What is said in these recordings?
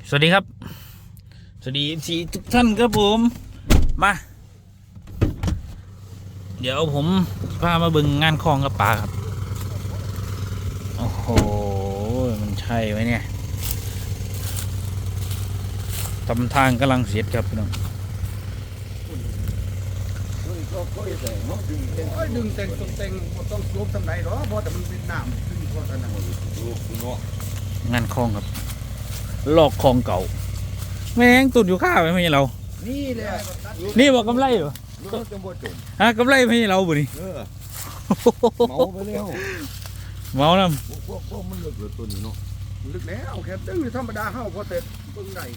สวัสดีครับสวัสดีทีทุกท่านครับผมมาเดี๋ยวผมพามาเบิ่งงานคลองกับป่าครับโอ้โหมันใช่ไหมเนี่ยทำทางกำลังเสร็จครับพี่น้องดึงแต่งตรงแต่งต้องสวมทำไรหรอเพราะแต่มันเป็นน้ำขึ้นเพราะแต่น้ำงานคลองครับลอกคลองเก่าแม่งตุ่นอยู่ข้าวไหมไม่ใช่เรานี่เลยนี่บอกกำไรเหรอฮะกำไรไม่ใช่เราบุนี่เมาไปแล้วเมาแล้วพวกมันลึกตัวนี้เนาะลึกแล้วแค่ดึงธรรมดาเข้าพอเสร็จเบิ่งได้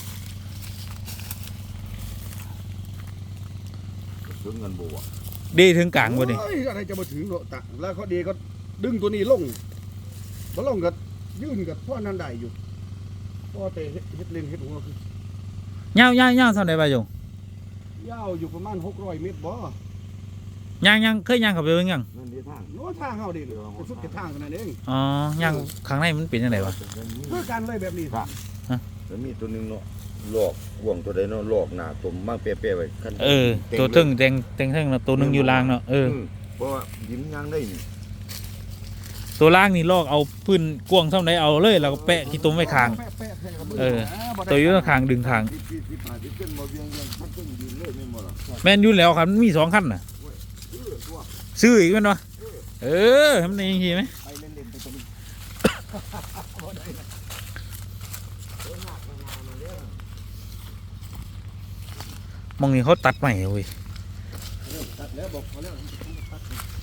ถึงเงินบัวดีถึงกลางบุนี่อะไรจะมาถึงเนาะตะแล้วเขาดีก็ดึงตัวนี้ลงมาลงก็ยื่นกับพ่อนันได้อยู่พ่อเตะเฮ็ดเล่นเฮ็ดหัวคือย่างเท่าไหร่ไปจงยาวอยู่ประมาณ600 เมตรบ่ย่างเคยย่างเข้าไปเบิ่งยังนั่นดีทางโน้ทางเฮาดิจะสุดจะทางกันนั่นเองอ๋อย่างข้างในมันเป็นยังไงวะเพื่อการเลยแบบนี้ครับแล้วมีตัวหนึงเนาะหลอกห่วงตัวใดเนาะหลอกหน้าตมมากเป๊ะๆไว้คันตัวตึงแตงเนาะตัวหนึงอยู่ล่างเนาะเพราะว่ายิ้มยังได้นี่ตัวล่างนี่ลอกเอาพื้นกว้างเท่าไหนเอาเลยแล้วก็แปะขี้ตุ้มไว้ข้าง ตัวอยู่ข้างดึงข้างที่ขึ้นมาเวียงพัดขึ้นยืนเลยไม่หมดหรอกแม่นอยู่แล้วครับมันมี2 ขั้นน่ะซื้ออีกแม่นวะทำได้ยังไงไหมไปเล่นๆไปตรงนี้มองนี่เขาตัดใหม่เว้ยตัดแล้วบอกเขาแล้วตัด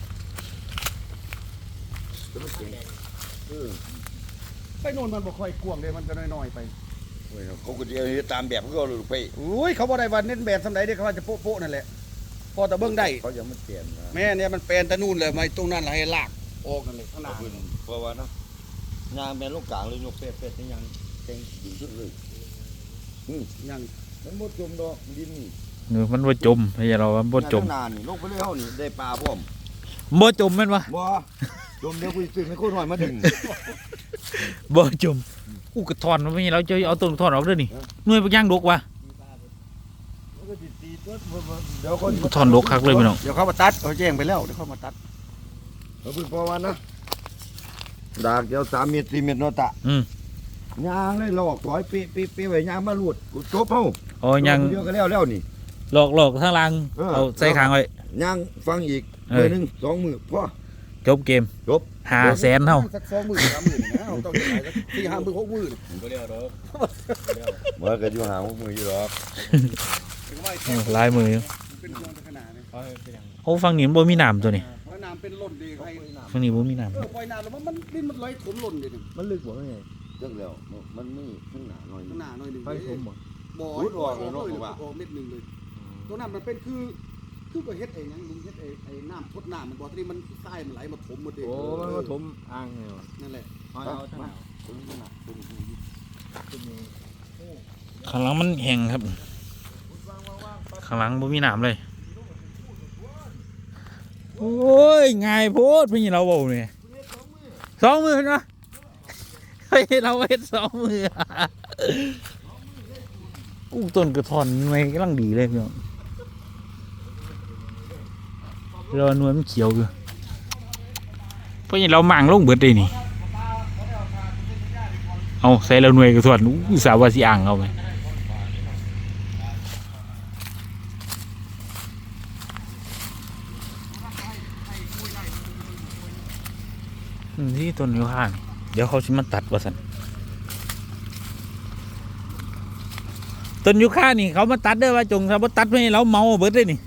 ไปโน่นมันบ่ค่อยกวางเลยมันจะน้อยๆไปเขาก็จะเอาตามแบบเขาเลยไปอุ้ยเขาบ่ได้ว่าเน้นแบบสำใดเด้เขาว่าจะโป๊ะๆนั่นแหละพอแต่เบิ่งได้เขายังไม่เปลี่ยนนะแม่เนี่ยมันแปลนแต่นู่นเลยไม่ตรงนั้นให้ลากออกกันเลยข้างหน้าเพราะว่านะยางแม่นลูกกลางเลยยกเป๊ะๆนี่ยังเต็งดีสุดเลยยังมันหมดจมดอกดินนี่มันบ่จมไม่ใช่เรามันบ่จมนานนี่ลงไปเลยเฮานี่ได้ปลาพร้อมบ่จมแม่นวะบ่จมเดี๋ยวกูซื้อให้คนหน่อยมาดึงบ่จมกระถอนมันไม่ใช่เราจะเอาต้นถอนออกเด้อนี่หน่วยปักย่างดกวะเดี๋ยวคนถอนดกคักเลยพี่น้องเดี๋ยวเขามาตัดเขาแจ้งไปแล้วเดี๋ยวเขามาตัดเราเพิ่งพอวันนะดากเดียว3 เมตร 4 เมตรเนาะตะยางเลยหลอกถอยปีไว้ยางมาลูดกูจบเฮาอ๋อยังเดียวก็แล้วนี่หลอกทางล่างเอาใส่ข้างไว้ยางฟังอีกมือหนึง2 มือพอจบเกมจบ 500,000เท่าสัก2 มื้อ 3 มื้อนะเอาต้องได้สัก4 5 มื้อ6 มื้อเมื่อก็อยู่หามืออยู่หรอกถึงว่าลายมือเป็นเรื่องขนาดนี้โอ้ฟังนี่มันบ่มีน้ำตัวนี้เพราะน้ำเป็นล้นดีใครฟังนี่บ่มีน้ำปล่อยน้ำแล้วมันดินมันไหลถมล้นดิมันลึกบ่ไงจังแล้วมันมีข้างหน้าหน่อยข้างหน้าหน่อยนึงไปถมบ่บ่รุดออกเลยเนาะว่าออกเม็ดนึงเลยตัวนั้นมันเป็นคือก็เฮ็ดเองหยังลุงเฮ็ดไอ้น้ำทดน้ำมันบ่ที่มันใต้มันไหลมาถมหมดเองโอ้มันมาถมอ่างไงวะนั่นแหละเอาท่านเอาข้างหลังมันแห้งครับข้างหลังบ่มีน้ำเลยโอ้ยง่ายโพดพี่เราบอกเนี่ย2 มือนะเฮ้ยเราเฮ็ด2 มือต้นกระท่อนไม่กำลังดีเลยพี่น้องเราหน่วยมันเขียวอยู่เพราะอย่างเราหมั่งลงเบิดเลยนี่เอาใส่เราหน่วยกระท่อนสาวาสิอ่างเอาไปที่ต้นยูคาเดี๋ยวเขาจะมาตัดว่าสันต้นยูคานี่เขามาตัดเด้อว่าจงถ้าบ่ตัดไม่ให้เราเมาเบิดเลยนี่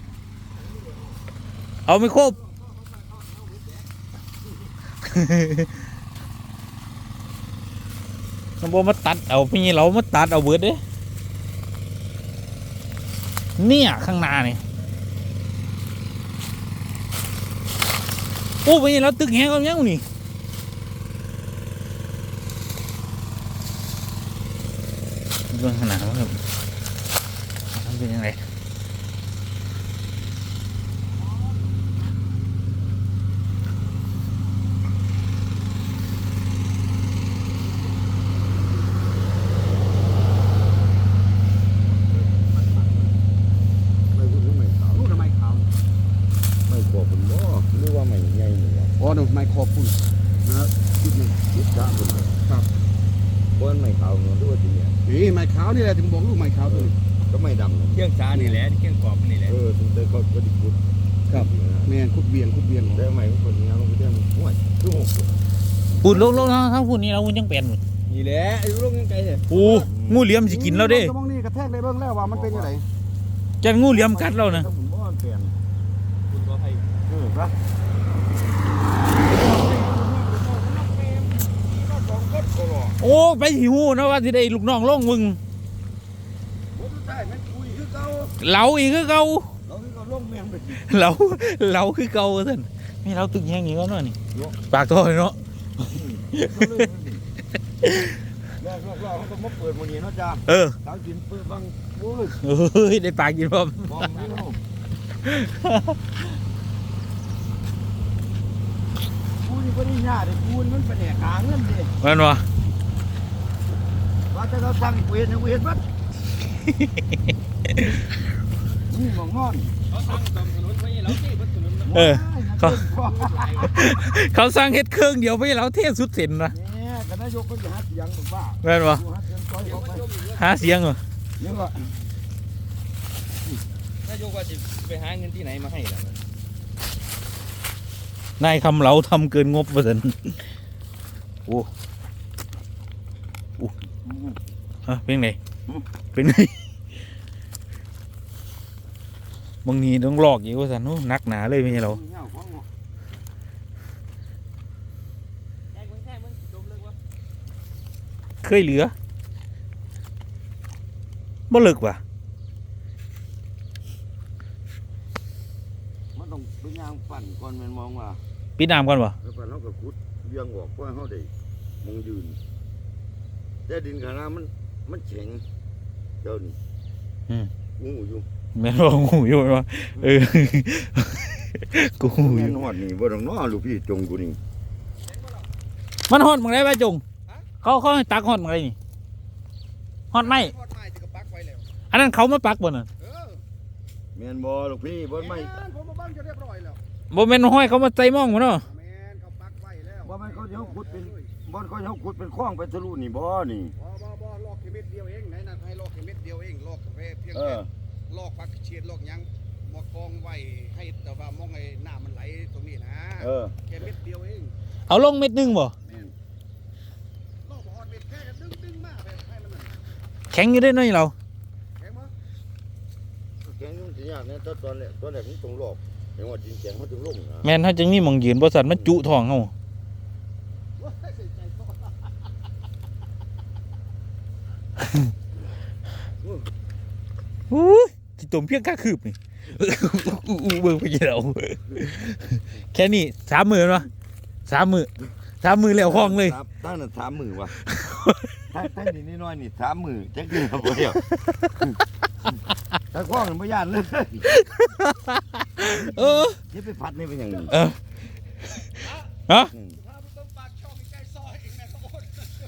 เอาไม่ครบ มันบ่มาตัดเอาพี่เรามาตัดเอาเบิดเด้เนี่ยข้างหน้านี่โอ้พี่เราตึกแหงเอายังนี่เรื่องขนาดนั้นครับมันเป็นยังไงบนไม่ขาวเนาะด้วยจริงเนี่ยนี่ไม้ขาวนี่แหละถึงบอกลูกไม้ขาวตัวนี้ก็ไม่ดำเลยเที่ยงช้านี่แหละเที่ยงกรอบนี่แหละถึงเตยเขาก็ดิคุดแม่นคุดเบียงของแต่ใหม่คนนี้เราไปเที่ยวห่วยคือหกพูดลงทั้งพูดนี้เรายังเป็นนี่แหละไอ้ลูกยังไงเนี่ยโอ้งูเหลี่ยมสิกินเราเด้มองนี่กระแทกได้เบิ่งแล้วว่ามันเป็นยังไงจะงูเหลี่ยมกัดเรานะถ้าผมบ้านเปลี่ยนคุณก็ให้ครับโอ้ไปหิวนะว่าสิได้ลูกน้องลงมึงผมใช่มันคุยคือเก่าเหลาอีกคือเก่าเราคือเขาลงเมียงไปสิเหลาคือเก่าท่านนี่เราตึกแห้งอย่างนี้ก็นี่ปากท่อเลยเนาะรอบเขาก็มาเปิดวันนี้เนาะจ้าเออสาวกินเปิดบังโอ้ยเฮ้ยได้ปากกินพร้อมมองไม่รู้กูนี่ก็ได้ยากเลยกูนี่มันเป็นแหกหาเงินดิแมันวะว่าแต่เราสั่งเวรนะเวรมัดนี่มองงอนเขาตั้งตำถนนไว้แล้วที่บนถนนเออเขาเขาสร้างเฮ็ดเครื่องเดียวไปเราเทสุดเสร็จนะเนี่ยคณะยกก็จะหาเสียงถูกป่ะแม่นวะหาเสียงซอยเขาไปหาเสียงเหรอนี่ก็นายกว่าจะไปหาเงินที่ไหนมาให้ล่ะนายคำเหลาทำเกินงบประสิทธิ์โอ้ฮะเป็นไงเป็นไงบางทีต้องหลอกอยู่ว่าสันโอ้นักหนาเลยไม่ใช่เราเคยเหลือบ่เลิกว่ะมันต้องเป็นยางปั่นก่อนมันมองว่าปิดน้ำก่อนวะแล้วปั่นเขาก็ขุดเบี้ยงออกเพื่อให้เขาได้มองยืนแต่ดินขนาดมันแข็งเดี๋ยวนี้งูอยู่แม่นว่าหูอยู่วะเออกูหูอแม่ยู่นหอดนี่บ่ต้องน้อลูกพี่จงกูนี่มันฮอดมึงได้ไหมจงเขาให้ตักฮอดมึงได้นี่ฮอดไหมทอดไม้ที่ก็ปักไว้แล้วอันนั้นเขามาปักบ่น่ะแม่นบ่ลูกพี่บ่ไม่ผมมาบ้างจะเรียบร้อยแล้วบ่แม่นห้อยเขามาใจมองบ่เนาะแม่นเขาปักไว้แล้วบ่ไม่เขาจะขุดเป็นบ่เขาจะขุดเป็นคลองไปทะลุนี่บ่นี่บ่ลอกแค่เม็ดเดียวเองไหนนั่นให้ลอกแค่เม็ดเดียวเองลอกกาแฟเพียงเอแค่อลอกปักเชียดลอกหยังมากองไว้ให้แต่ว่ามองไอ้น้ำมันไหลตรงนี้นะเออแค่เม็ดเดียวเองเอาลงเม็ดหนึงบ่ลอกบ่ฮอดเม็ดแค่ดึงมาแบบให้มันนั่นแข็งอยู่ได้น้อยเราแข็งบ่แกงยุ่งสิยากเนี่ยตอนแรกมันต้องลอกเห็นว่าดินแข็งเขาถึงลงนะแม่นถ้าจังนี้มองยืนบ่สันมันจุท้องเฮาว้ายเสียใจโตอู้ยสิตมเพียงกะคืบนี่เบิ่งไปกี่เราแค่นี้3 มื้อเนาะ3 มื้อแล้วห้องเลยตั้งแต่3 มื้อว่ะถ้านี่น้อยนี่3 มื้อจักคือบ่เดียวถ้าคล้องบ่ย่านเลยเอออย่าไปพัดนี่เป็นอย่างนี้เออฮะถ้ามึงต้องปากช่องใกล้ซอยเองนะทุกคน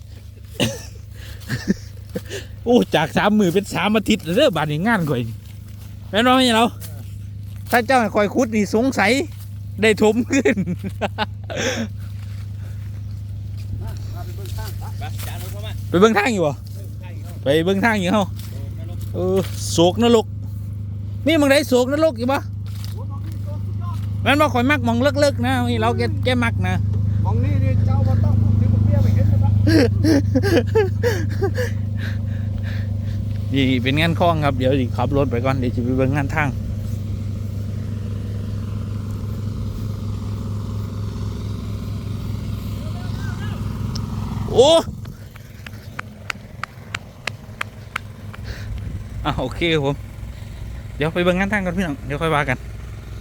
โอ้จาก3 มื้อเป็น3 อาทิตย์เด้อบาดนี้งานข่อยแม่นบ่แม่นเราถ้าเจ้าให้ข่อยขุดนี่สงสัยได้ถมขึ้นพาไปเบิ่งข้างไปจานรถเข้ามาไปเบิ่งทางอยู่บ่ข้างอีกไปเบิ่งทางอยู่เฮาแม่นกโศกนรกมีมึงได้โศกนรกอยู่บ่แม่นบ่ข่อยมักหมองเลิกๆนะนี่เราแกมักนะมองนี่เจ้าบ่ต้องพูดถึงบ่เบี้ยไปเห็นเลยปะนี่เป็นงานคล้องครับเดี๋ยวสิขับรถไปก่อนเดี๋ยวจะไปเบิ่งงานทางโอ้โอเคครับผมเดี๋ยวไปเบิ่งงานทางก่อนพี่น้องเดี๋ยวค่อยว่ากัน